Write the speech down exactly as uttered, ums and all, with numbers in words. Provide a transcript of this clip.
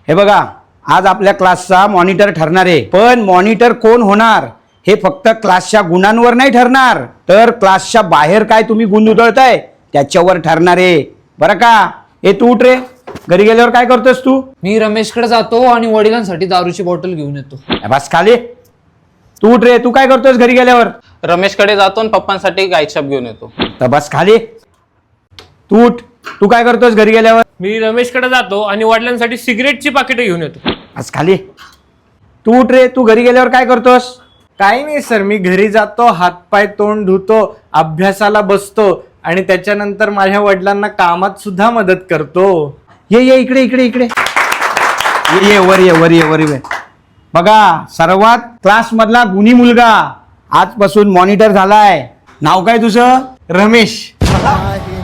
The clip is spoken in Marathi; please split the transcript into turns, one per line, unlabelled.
हे बघा, आज आपल्या क्लासचा मॉनिटर ठरणार आहे, पण मॉनिटर कोण होणार हे फक्त क्लासच्या गुणांवर नाही ठरणार, तर क्लासच्या बाहेर काय तुम्ही गुण उधळताय त्याच्यावर ठरणार आहे बरं का. हे तू उठ रे, घरी गेल्यावर काय करतोस तू?
मी रमेशकडे जातो आणि वडिलांसाठी दारूची बॉटल घेऊन येतो.
बस खाली. तू उठ रे, तू काय करतोस घरी गेल्यावर?
रमेशकडे जातो आणि पप्पांसाठी गायछाप घेऊन येतो.
तर बस खाली. तू उठ, तू काय करतोस घरी गेल्यावर?
मी रमेशकडे जातो आणि वडिलांसाठी सिगरेटची पाकिटं घेऊन येतो.
बस खाली. तू उठ रे, तू घरी गेल्यावर काय करतोस?
काही नाही सर, मी घरी जातो, हातपाय तोंड धुतो, अभ्यासाला बसतो आणि त्याच्यानंतर माझ्या वडिलांना कामात सुद्धा मदत करतो.
ये ये इकडे इकडे इकडे ये ये वर ये वर ये वर ये. बघा, सर्वात क्लास मधला गुणी मुलगा आजपासून मॉनिटर झालाय. नाव काय तुझं?
रमेश.